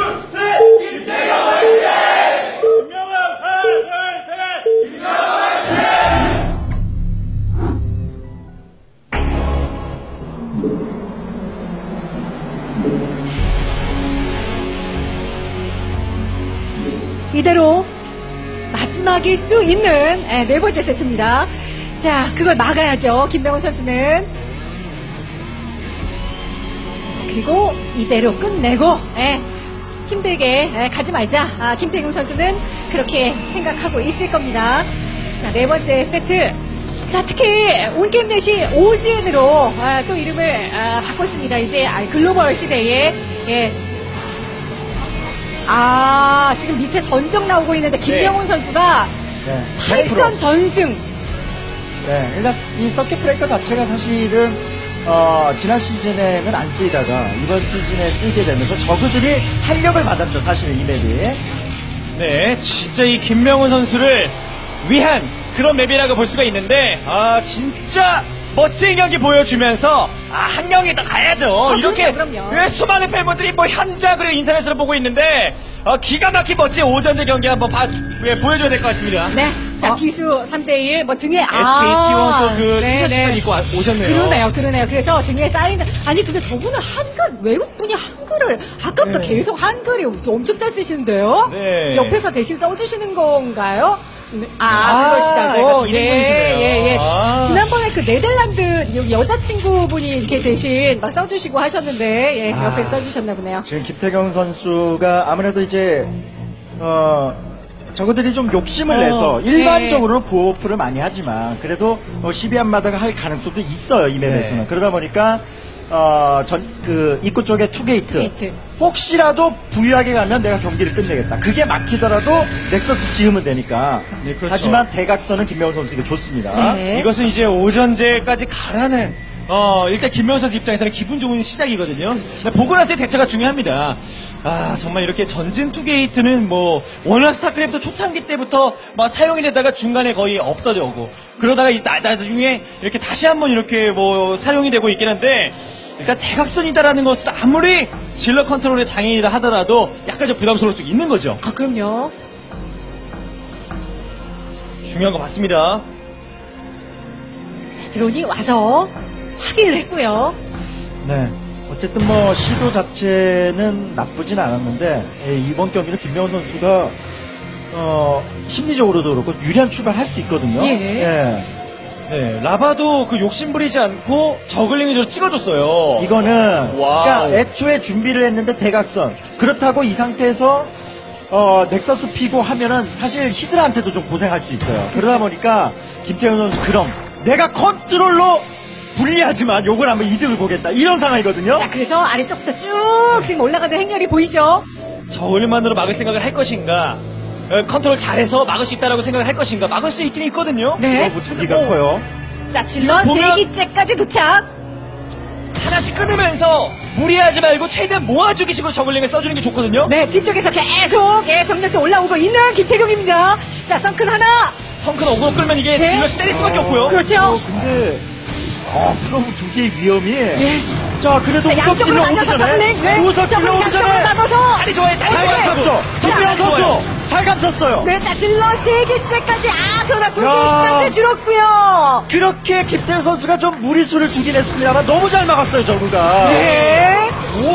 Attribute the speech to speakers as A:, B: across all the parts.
A: 이대로 마지막일 수 있는 네 번째 세트입니다. 자, 그걸 막아야죠. 김명훈 선수는. 그리고 이대로 끝내고 힘들게 가지 말자. 김태경 선수는 그렇게 생각하고 있을 겁니다. 자, 네 번째 세트. 자, 특히 온게임넷이 오지엔으로 또 이름을 바꿨습니다. 이제 글로벌 시대에 지금 밑에 전적 나오고 있는데 김명훈 선수가 8전 전승.
B: 네, 일단 이 서킷 브레이커 자체가 사실은 지난 시즌에는 안 쓰이다가 이번 시즌에 쓰이게 되면서 저그들이 탄력을 받았죠, 사실은 이 맵이.
C: 네, 진짜 이 김명훈 선수를 위한 그런 맵이라고 볼 수가 있는데, 진짜 멋진 경기 보여주면서 한 경기 더 가야죠. 이렇게
A: 그럼요.
C: 수많은 팬분들이 뭐 현장 그리고 인터넷으로 보고 있는데 기가 막힌 멋진 오전제 경기 한번 보여줘야 될 것 같습니다.
A: 네. 자, 기수 3대1 뭐 등에
C: SKT1또 그 티셔츠만 입고 오셨네요.
A: 그러네요. 그래서 등에 쌓이는 근데 저분은 한글 외국분이 한글을 아까부터 계속 한글이 엄청 잘 쓰시는데요.
C: 네.
A: 옆에서 대신 써주시는 건가요? 그러시다고. 예. 지난번에 그 네덜란드 여자친구분이 이렇게 대신 막 써주시고 하셨는데, 옆에 써주셨나 보네요.
B: 지금 김태경 선수가 아무래도 이제, 저거들이 좀 욕심을 내서 일반적으로 구호프를 많이 하지만 그래도 12안마다가 할 가능성도 있어요, 이 맵에서는. 그러다 보니까 입구 쪽에 투게이트. 혹시라도 부유하게 가면 내가 경기를 끝내겠다. 그게 막히더라도 넥서스 지으면 되니까.
C: 네, 그렇죠.
B: 하지만 대각선은 김명훈 선수에게 좋습니다.
A: 네.
C: 이것은 이제 오전제까지 가라는 일단 김명훈 선수 입장에서는 기분 좋은 시작이거든요. 보고 나서의 대처가 중요합니다. 정말 이렇게 전진 투게이트는 뭐 워낙 스타크래프트 초창기 때부터 막 사용이 되다가 중간에 거의 없어져고 그러다가 나중에 이렇게 다시 한번 이렇게 뭐 사용이 되고 있긴 한데, 그러니까 대각선이다라는 것은 아무리 질러 컨트롤의 장애이다 하더라도 약간 좀 부담스러울 수 있는 거죠.
A: 그럼요.
C: 중요한 거 맞습니다.
A: 자, 드론이 와서 확인을 했고요.
B: 네. 어쨌든 뭐 시도 자체는 나쁘진 않았는데 이번 경기는 김명훈 선수가 심리적으로도 그렇고 유리한 출발할 수 있거든요.
C: 네, 라바도 그 욕심 부리지 않고 저글링을 좀 찍어줬어요.
B: 이거는
C: 와우.
B: 그러니까 애초에 준비를 했는데 대각선. 그렇다고 이 상태에서 넥서스 피고 하면은 사실 히드라한테도 좀 고생할 수 있어요. 그러다 보니까 김태현 선수 그럼 내가 컨트롤로 불리하지만 요걸 한번 이득을 보겠다, 이런 상황이거든요.
A: 자, 그래서 아래쪽부터 쭉 지금 올라가는 행렬이 보이죠?
C: 저글링만으로 막을 생각을 할 것인가, 컨트롤 잘해서 막을 수 있다라고 생각을 할 것인가. 막을 수 있긴 있거든요.
A: 네.
B: 무기가 커요.
A: 자, 질럿
C: 보면-
A: 4기째까지 도착.
C: 하나씩 끊으면서 무리하지 말고 최대한 모아주기 식으로 저글링을 써주는 게 좋거든요.
A: 네, 뒤쪽에서 계속 병력도 올라오고 있는 김태경입니다. 자, 썬큰 하나.
C: 성큰 어그로 끌면 이게
A: 네.
C: 질럿이 때릴 수밖에 없고요.
A: 그렇죠.
B: 근데 프로브 두 개의 위험이.
A: 예.
B: 자, 그래도
A: 자, 양쪽으로
B: 우석
A: 나눠서
B: 찔러
A: 저글링. 네.
B: 우석 찔러 오기
A: 양쪽으로
B: 전에
A: 나눠서.
C: 다리 좋아요. 다리
B: 잘
C: 좋아요.
B: 감췄어. 김명훈 선수 잘 감췄어요.
A: 네, 자, 질럿 3기째까지. 그러나
B: 야.
A: 2개까지 줄었고요.
B: 그렇게 김태현 선수가 좀 무리수를 두긴 했습니다만 너무 잘 막았어요, 저구가.
A: 네.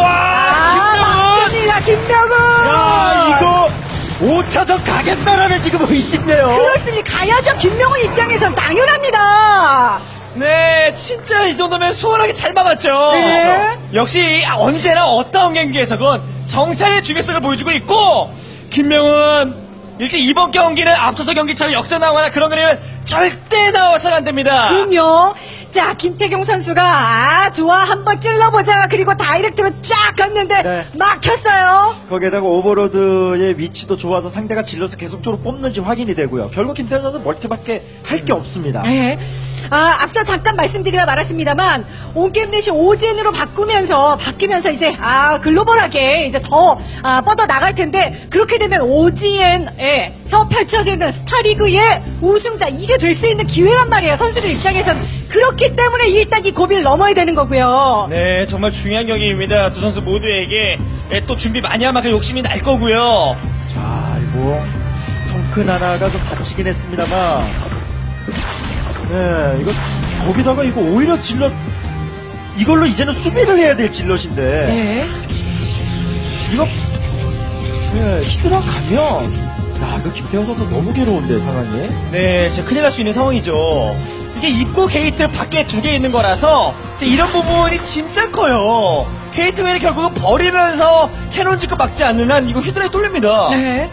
C: 우와!
A: 맞습니다, 김명훈.
B: 야, 이거 5차전 가겠다라는 지금 의심네요.
A: 그렇습니다. 가야죠. 김명훈 입장에선 당연합니다.
C: 네, 진짜 이 정도면 수월하게 잘 막았죠.
A: 네.
C: 역시 언제나 어떤 경기에서건 정찰의 중요성을 보여주고 있고, 김명훈 이렇게 이번 경기는 앞서서 경기처럼 역전 나오거나 그런 거는 절대 나와서는 안 됩니다.
A: 그럼요. 자, 김태경 선수가 좋아, 한번 찔러보자. 그리고 다이렉트로 쫙 갔는데
B: 네.
A: 막혔어요.
B: 거기에다가 오버로드의 위치도 좋아서 상대가 질러서 계속적으로 뽑는지 확인이 되고요. 결국 김태현 선수는 멀티밖에 할 게 없습니다.
A: 네. 앞서 잠깐 말씀드리다 말았습니다만 온게임넷이 오젠으로 바뀌면서 이제 글로벌하게 이제 더 뻗어 나갈 텐데, 그렇게 되면 오지엔에서 펼쳐지는 스타리그의 우승자, 이게 될 수 있는 기회란 말이에요. 선수들 입장에선. 그렇기 때문에 일단 이 고비를 넘어야 되는 거고요.
C: 네, 정말 중요한 경기입니다. 두 선수 모두에게 예, 또 준비 많이 하면 그 욕심이 날 거고요.
B: 자, 이거 성큰 하나가 좀 다치긴 했습니다만, 네, 이거 거기다가 이거 오히려 질럿 이걸로 이제는 수비를 해야 될 질럿인데,
A: 네.
B: 이거 히드라 가면. 야, 이거 김태형 선수 너무 괴로운데 상황이.
C: 네, 진짜 큰일 날 수 있는 상황이죠. 이게 입구 게이트 밖에 2개 있는 거라서 이런 부분이 진짜 커요. 게이트웨이를 결국은 버리면서 캐논 짓고 막지 않는 한 이거 히드라에 뚫립니다.
A: 네.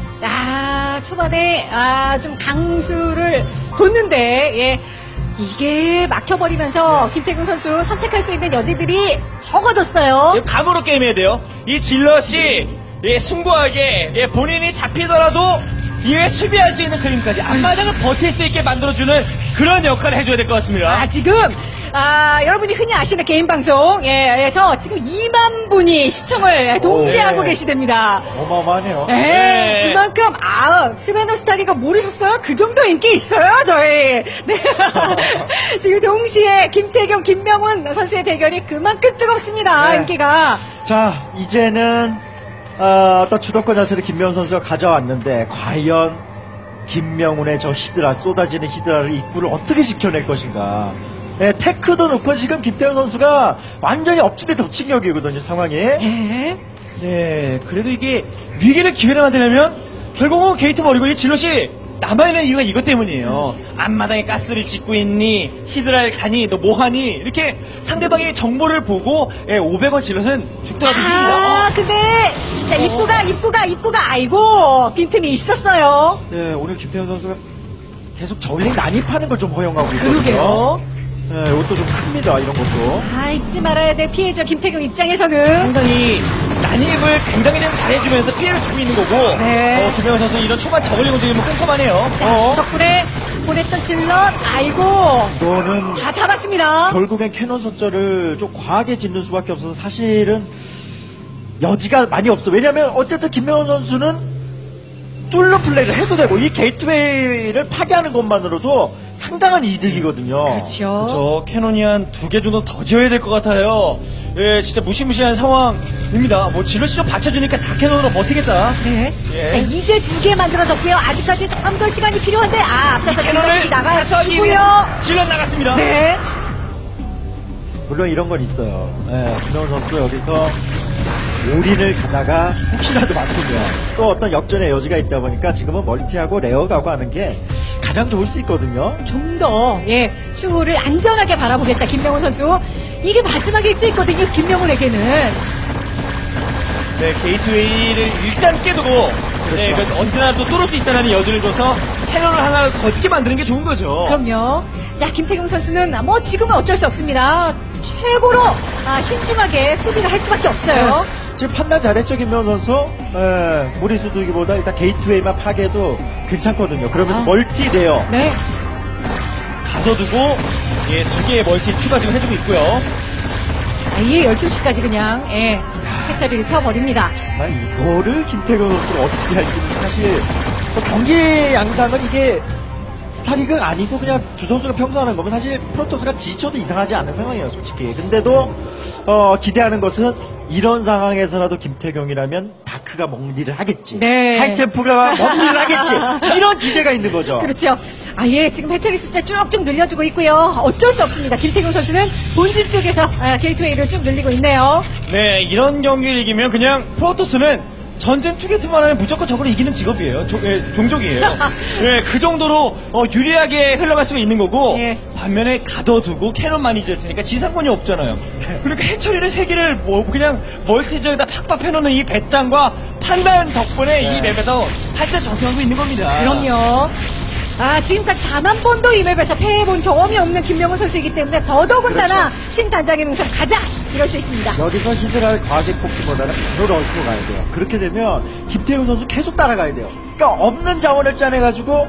A: 초반에 좀 강수를 뒀는데 예. 이게 막혀버리면서 김태균 선수 선택할 수 있는 여지들이 적어졌어요.
C: 이거 감으로 게임해야 돼요. 이 질럿이 숭고하게 본인이 잡히더라도 이에 수비할 수 있는 그림까지 앞마당을 버틸 수 있게 만들어주는 그런 역할을 해줘야 될 것 같습니다.
A: 지금 여러분이 흔히 아시는 개인 방송에서 지금 2만 분이 시청을 동시에
B: 네.
A: 하고 계시답니다.
B: 어마어마하네요.
A: 네, 그만큼 스베너 스타리가 모르셨어요? 그 정도 인기 있어요, 저희. 네. 지금 동시에 김태경, 김명훈 선수의 대결이 그만큼 뜨겁습니다.
B: 네.
A: 인기가.
B: 자, 이제는 어떤 주도권 자체를 김명훈 선수가 가져왔는데 과연 김명훈의 저 히드라, 쏟아지는 히드라를 입구를 어떻게 지켜낼 것인가. 네, 테크도 놓고 지금 김태형 선수가 완전히 엎치대 덮친 격이거든요, 상황이.
A: 네.
C: 네, 그래도 이게 위기를 기회를 만들려면 결국은 게이트 버리고 이 질럿이 남아있는 이유가 이것 때문이에요. 앞마당에 가스를 짓고 있니, 히드라를 가니, 너 뭐하니, 이렇게 상대방의 정보를 보고 500원 질럿은 죽더라도 이깁니다.
A: 근데 진짜 입구가 아이고 빈틈이 있었어요.
B: 네, 오늘 김태형 선수가 계속 저울링 난입하는 걸 좀 허용하고 있거든요.
A: 그러게요.
B: 네, 이것도 좀 큽니다, 이런 것도.
A: 잊지 말아야 돼. 피해죠. 김태경 입장에서는.
C: 상당히 난입을 굉장히 좀 잘해주면서 피해를 주고 있는 거고,
A: 네.
C: 김명훈 선수 이런 초반 저글링 움직임은 꼼꼼하네요.
A: 덕분에 보냈던 질럿 아이고
B: 이거는
A: 다 잡았습니다.
B: 결국엔 캐논 선절을 좀 과하게 짓는 수밖에 없어서 사실은 여지가 많이 없어. 왜냐면 어쨌든 김명훈 선수는 뚫러 플레이를 해도 되고 이 게이트웨이를 파괴하는 것만으로도 상당한 이득이거든요.
A: 그렇죠.
C: 저 캐논이 한 2개 정도 더 지어야 될 것 같아요. 예, 진짜 무시무시한 상황입니다. 뭐 질럿이 좀 받쳐주니까 4캐논으로 버티겠다.
A: 네.
C: 예.
A: 자, 이제 2개 만들어졌고요. 아직까지 조금 더 시간이 필요한데 앞서서
C: 캐논을
A: 질럿이 나가주고요.
C: 질럿 나갔습니다.
A: 네.
B: 물론 이런 건 있어요. 예, 김명훈 선수 여기서 올인을 가다가 혹시라도 맞추면 또 어떤 역전의 여지가 있다 보니까 지금은 멀티하고 레어 가고 하는 게 가장 좋을 수 있거든요.
A: 좀 더 추후를 안전하게 바라보겠다 김명훈 선수. 이게 마지막일 수 있거든요. 김명훈에게는.
C: 네, 게이트웨이를 일단 깨두고, 네,
B: 그렇죠.
C: 언제나 또 뚫을 수 있다는 여지를 줘서 캐논을 하나 거치게 만드는 게 좋은 거죠.
A: 그럼요. 자, 김태경 선수는 뭐 지금은 어쩔 수 없습니다. 최고로 신중하게 수비를 할 수밖에 없어요.
B: 지금 판단 잘했죠, 김명훈 선수. 예, 무리수 두기보다 일단 게이트웨이만 파괴도 괜찮거든요. 그러면서 멀티 돼요.
A: 네.
C: 가둬두고, 2개의 멀티 추가 지금 해주고 있고요.
A: 아예 12시까지 그냥 해처리를 펴버립니다.
B: 정말 이거를 김태경 선수가 어떻게 할지 사실 경기 양상은 이게 스타리그 아니고 그냥 두 선수가 평소 하는 거면 사실 프로토스가 지쳐도 이상하지 않은 상황이에요, 솔직히. 근데도 기대하는 것은 이런 상황에서라도 김태경이라면 다크가 먹는 일을 하겠지.
A: 네.
B: 하이템프가 먹는 일을 하겠지. 이런 기대가 있는 거죠.
A: 그렇죠. 지금 해처리 숫자 쭉쭉 늘려주고 있고요. 어쩔 수 없습니다. 김태경 선수는 본진 쪽에서 게이트웨이를 쭉 늘리고 있네요.
C: 네, 이런 경기를 이기면 그냥 프로토스는 전쟁 투게트만 하면 무조건 저걸 이기는 직업이에요. 종족이에요. 네, 그 정도로 유리하게 흘러갈 수가 있는 거고,
A: 예.
C: 반면에 가둬두고 캐논 많이 지었으니까 지상권이 없잖아요. 그러니까 해처리를 3개를 그냥 멀티지역에다 팍팍 해놓는 이 배짱과 판단 덕분에 이 맵에서 살짝 적용하고 있는 겁니다.
A: 그럼요. 지금까지 단 한 번도 이 맵에서 패해본 경험이 없는 김명훈 선수이기 때문에 더더군다나
B: 그렇죠.
A: 신단장의 능선 가자! 이럴 수 있습니다.
B: 여기서 히드라를 과하게 뽑기보다는 바로 넣고 가야 돼요. 그렇게 되면 김태형 선수 계속 따라가야 돼요. 그러니까 없는 자원을 짜내가지고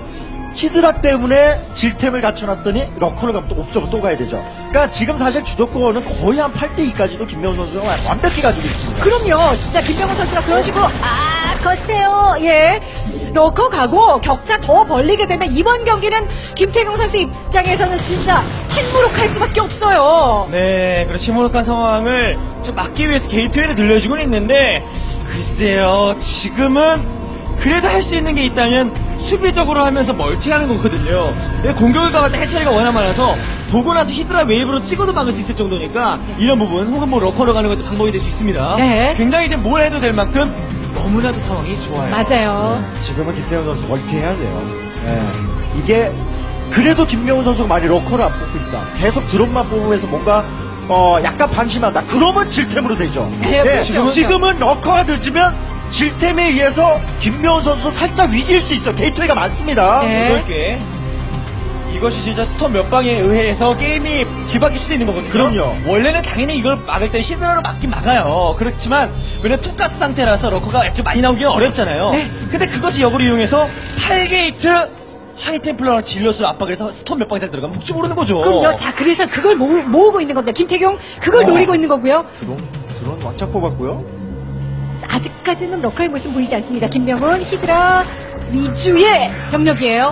B: 히드라 때문에 질템을 갖춰놨더니 러커를 가면 또 옵저버 또 가야 되죠. 그러니까 지금 사실 주도권은 거의 한 8대2까지도 김명훈 선수가 완벽히 가지고 있습니다.
A: 그럼요. 진짜 김명훈 선수가 그런 식으로 거세요. 예. 러커 가고 격차 더 벌리게 되면 이번 경기는 김태경 선수 입장에서는 진짜 핵무룩할 수밖에 없어요.
C: 네, 그런 시무룩한 상황을 좀 막기 위해서 게이트웨이를 늘려주고 있는데 글쎄요, 지금은 그래도 할 수 있는 게 있다면 수비적으로 하면서 멀티하는 거거든요. 공격을 가면 해처리가 워낙 많아서 보고 나서 히드라 웨이브로 찍어도 막을 수 있을 정도니까 이런 부분 혹은 뭐 러커로 가는 것도 방법이 될 수 있습니다.
A: 네.
C: 굉장히 이제 뭘 해도 될 만큼 너무나도 상황이 좋아요.
A: 맞아요.
B: 지금은 김태훈 선수 멀티해야 돼요. 예. 이게 그래도 김명훈 선수가 많이 러커를 안 뽑고 있다. 계속 드롭만 뽑으면서 뭔가 약간 방심한다. 그러면 질템으로 되죠.
A: 네, 그렇죠.
B: 지금은 러커가 늦으면 질템에 의해서 김명훈 선수 살짝 위기일 수 있어요. 게이트웨이가 많습니다.
A: 네.
C: 그렇게 이것이 진짜 스톰 몇 방에 의해서 게임이 뒤바뀔 수도 있는 거거든요.
B: 그럼요.
C: 원래는 당연히 이걸 막을 때 히드라로 막긴 막아요. 그렇지만 왜냐면 투가스 상태라서 러커가 액tiv 많이 나오기는 어렵잖아요.
A: 네.
C: 근데 그것이 역으로 이용해서 8게이트 하이템플러랑 질럿을 압박해서 스톰 몇 방에 들어가면 혹시 모르는 거죠.
A: 그럼요. 자, 그래서 그걸 모으고 있는 겁니다. 김태경 그걸 노리고 있는 거고요.
B: 드론 왕창 뽑았고요.
A: 아직까지는 러커의 모습 보이지 않습니다. 김명훈 히드라 위주의 병력이에요.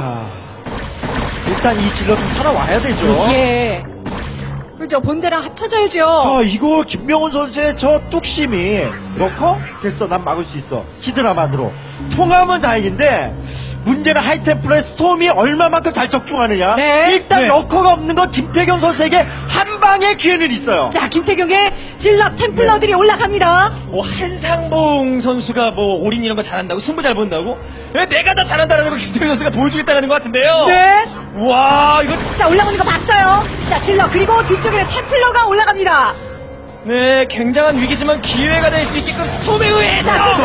B: 자, 일단 이 질러 좀 살아와야 되죠.
A: 예. 그죠. 본대랑 합쳐져야죠.
B: 자, 이거 김명훈 선수의 저 뚝심이 러커? 됐어, 난 막을 수 있어. 히드라만으로. 통하면 다행인데 문제는 하이템플러의 스톰이 얼마만큼 잘 적중하느냐.
A: 네.
B: 일단
C: 네.
B: 러커가 없는 건 김태경 선수에게 한 방의 기회는 있어요.
A: 자, 김태경의 질럿 템플러들이 올라갑니다.
C: 뭐 한상봉 선수가 뭐 올인 이런 거 잘한다고 승부 잘 본다고 왜 내가 더 잘한다라는 거 김태균 선수가 보여주겠다는 것 같은데요.
A: 네.
C: 와 이거
A: 자, 올라오는 거 봤어요. 자, 질럿 그리고 뒤쪽에 템플러가 올라갑니다.
C: 네 굉장한 위기지만 기회가 될 수 있게끔 스톰에 의해서
A: 자, 스톰!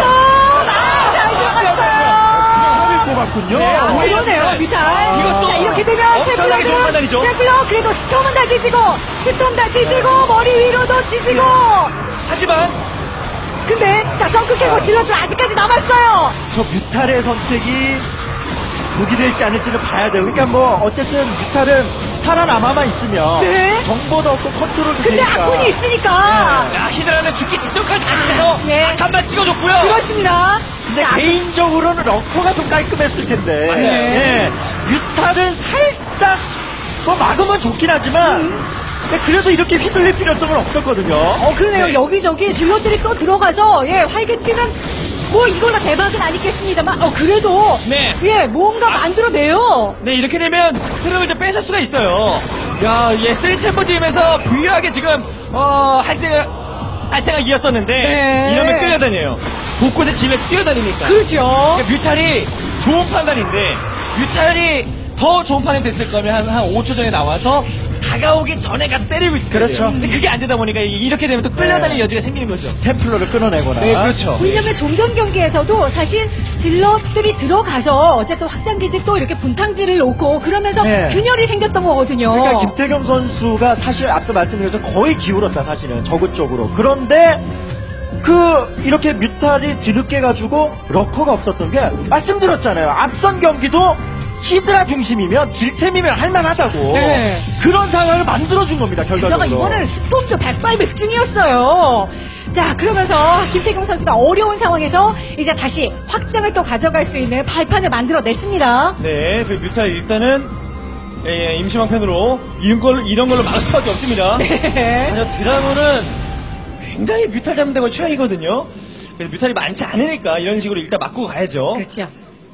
A: 잘 들어갔어요.
B: 뽑았군요.
C: 네,
A: 그러네요, 미탈.
C: 이것도
A: 자, 이렇게 되면
C: 엄청나게 좋은 판단이죠.
A: 템플러 그래도 스톰은 다 뒤지고 스톰 다 뒤지고 머리 위로도 뒤지고.
C: 하지만
A: 근데 자, 덩크 캐고 질럿은 아직까지 남았어요.
B: 저 뮤탈의 선택이 독이 될지 아닐지는 봐야 돼요. 그러니까 뭐 어쨌든 뮤탈은 살아남아만 있으면
A: 네.
B: 정보도 없고 컨트롤도
A: 근데
B: 되니까.
A: 아군이 있으니까.
C: 야 히드라는 죽기 직전까지 가면서
A: 예.
C: 한번 찍어줬고요.
A: 그렇습니다.
B: 근데
A: 자,
B: 개인적으로는 러커가 좀 깔끔했을 텐데.
C: 맞아요.
B: 예. 뮤탈은 살짝 뭐 막으면 좋긴 하지만 근데 그래도 이렇게 휘둘릴 필요성은 없었거든요.
A: 그러네요.
C: 네.
A: 여기저기 질럿들이 또 들어가서 예, 활개치는 뭐 이걸로 대박은 아니겠습니다만 그래도
C: 네.
A: 예, 뭔가 만들어내요.
C: 네 이렇게 되면 흐름을 좀 뺏을 수가 있어요. 야얘 쓰리 챔버 팀에서 부유하게 지금 할 생각 이었었는데
A: 네.
C: 이러면 끌려다녀요. 곳곳에 집에서 뛰어다니니까.
A: 그렇죠.
C: 그러니까 뮤탈이 좋은 판단인데 뮤탈이 더 좋은 판단이 됐을 거면 한 5초 전에 나와서 다가오기 전에 가서 때리고 있어요.
B: 그렇죠.
C: 근데 그게 안 되다 보니까 이렇게 되면 또 끌려다니는
B: 네.
C: 여지가 생기는 거죠.
B: 템플러를 끊어내거나.
C: 네, 그렇죠.
A: 왜냐면 종전 경기에서도 사실 질럿들이 들어가서 어쨌든 확장기지 또 이렇게 분탕지를 놓고 그러면서
B: 네.
A: 균열이 생겼던 거거든요.
B: 그러니까 김태경 선수가 사실 앞서 말씀드린 것처럼 거의 기울었다 사실은 저그 쪽으로. 그런데 이렇게 뮤탈이 뒤늦게 가지고 러커가 없었던 게 말씀드렸잖아요. 앞선 경기도 히드라 중심이면 질템이면 할만하다고.
A: 네.
B: 그런 상황을 만들어준 겁니다
A: 게다가
B: 결과적으로.
A: 이번에는 스톰도 백발백중이었어요. 자, 그러면서 김태경 선수가 어려운 상황에서 이제 다시 확장을 또 가져갈 수 있는 발판을 만들어냈습니다.
C: 네, 그 뮤탈 일단은 임시방편으로 이런 걸로 막을 수밖에 없습니다.
A: 네.
C: 하지만 드라곤은 굉장히 뮤탈 잡는 데가 취향이거든요. 그래서 뮤탈이 많지 않으니까 이런 식으로 일단 막고 가야죠.
A: 그렇죠.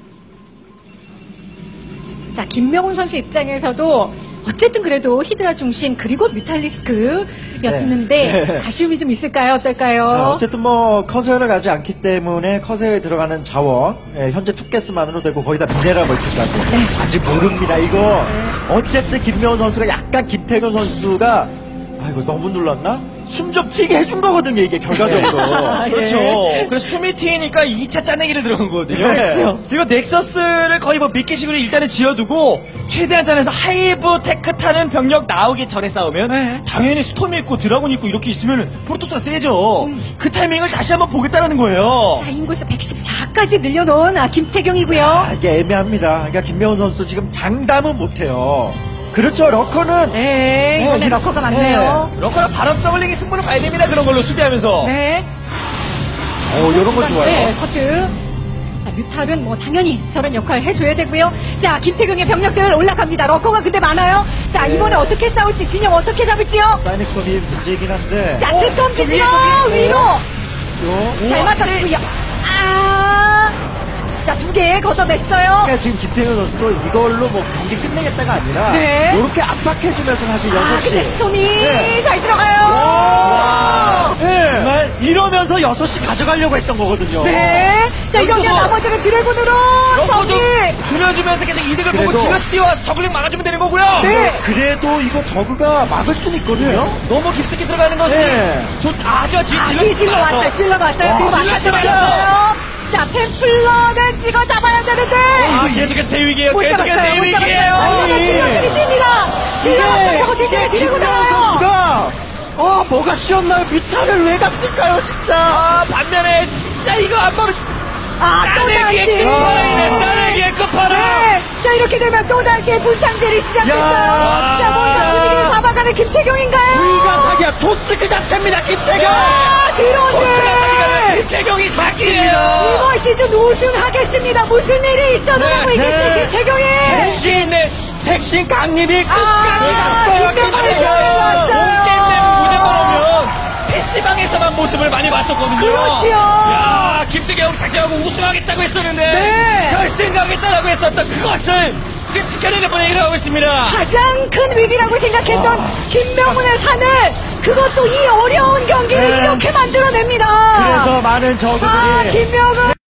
A: 자, 김명훈 선수 입장에서도 어쨌든 그래도 히드라 중심 그리고 뮤탈리스크였는데
B: 네.
A: 아쉬움이 좀 있을까요? 어떨까요?
B: 자, 어쨌든 뭐 커세어를 가지 않기 때문에 커세어에 들어가는 자원 현재 투게스만으로 되고 거기다 미네랄 멀티까지
A: 네.
B: 아직 모릅니다 이거. 어쨌든 김명훈 선수가 약간 김태균 선수가 이거 너무 눌렀나? 숨 좀 튀게 해준 거거든요 이게 결과적으로.
A: 예.
C: 그렇죠. 그래서 숨이 튀니까 2차 짜내기를 들어간 거거든요.
B: 네.
C: 그렇죠. 그리고 넥서스를 거의 뭐 미끼식으로 일단은 지어두고 최대한 짜내서 하이브 테크 타는 병력 나오기 전에 싸우면
A: 네.
C: 당연히 스톰이 있고 드라곤이 있고 이렇게 있으면 프로토스가 세죠. 그 타이밍을 다시 한번 보겠다는 거예요.
A: 자, 인구수 114 숫자까지 늘려놓은 김태경이고요.
B: 아, 이게 애매합니다. 그러니까 김명훈 선수 지금 장담은 못해요. 그렇죠. 러커는
A: 네, 이번에 러커가 많네요.
C: 러커랑 바람 저글링이 승부를 봐야 됩니다. 그런 걸로 수비하면서.
A: 네.
B: 이런 거 좋아요.
A: 네, 커트. 자, 뮤탈은 뭐 당연히 저런 역할 해줘야 되고요. 자, 김태경의 병력들 올라갑니다. 러커가 근데 많아요. 자,
B: 네.
A: 이번에 어떻게 싸울지, 진영 어떻게 잡을지요?
B: 사이닉섬이 문제이긴 한데.
A: 자, 특검
C: 저
A: 지지요
C: 위에.
A: 위로.
B: 요.
A: 잘 맞았고요. 자, 2개 걷어냈어요.
B: 그러니까 지금 김태현 선수도 이걸로 뭐 경기 끝내겠다가 아니라
A: 네.
B: 이렇게 압박해주면서 사실 6시.
A: 근데 스톰이
B: 네.
A: 잘 들어가요.
B: 네. 정말 이러면서 6시 가져가려고 했던 거거든요.
A: 네. 자, 이러면
C: 여기서
A: 나머지는 드래곤으로
C: 러커 좀
A: 정리.
C: 줄여주면서 계속 이득을 보고
B: 그래도-
C: 지라시티와 저글링 막아주면 되는 거고요.
A: 네.
B: 그래도 이거 저그가 막을 수는 있거든요.
C: 너무 깊숙이 들어가는 것이
B: 네.
C: 좋다죠.
A: 질러 왔어요. 질러 왔어요. 그리고
C: 질러
A: 아까
C: 왔어요.
A: 자, 템플러를 찍어 잡아야 되는데.
C: 계속해서 대위기예요.
A: 못
C: 계속해서
A: 잡았어요. 못
C: 대위기예요.
A: 잡았어요. 질러들이 뜁니다. 질러 왔어요. 저거 뒤쪽에 밀고 나가요.
B: 선수가 뭐가 쉬었나요? 뮤타를 왜 갔을까요, 진짜?
C: 반면에 진짜 이거 안 보면
A: 또다시.
C: 따내기의 끝판왕.
A: 네. 자, 이렇게 되면 또다시 불상제를 시작했어요.
B: 야.
A: 자, 먼저 분위기를 잡아가는 김태경인가요?
B: 불가사기야, 토스 그 자체입니다, 김태경!
A: 드론을!
C: 김태경이 사기예요.
A: 이번 시즌 우승하겠습니다. 무슨 일이 있어도
C: 네,
A: 하고 있겠어요,
B: 네.
A: 김태경이!
B: 택신 강림이 끝까지 갔어요,
A: 김태경이
B: 김태경!
A: 왔어요.
C: 게임 무대만 오면 PC방에서만 모습을 많이 봤었거든요.
A: 그렇지요.
C: 야, 김태경 작정하고 우승하겠다고 했었는데
A: 네.
C: 결승 가겠다라고 했었던 그것을 지금 지켜내는 분위기를 하고 있습니다.
A: 가장 큰 위기라고 생각했던 김명훈의 산을 그것도 이 어려운 경기를
B: 네.
A: 이렇게 만들어냅니다.
B: 그래서 많은 저그들이
A: 김명훈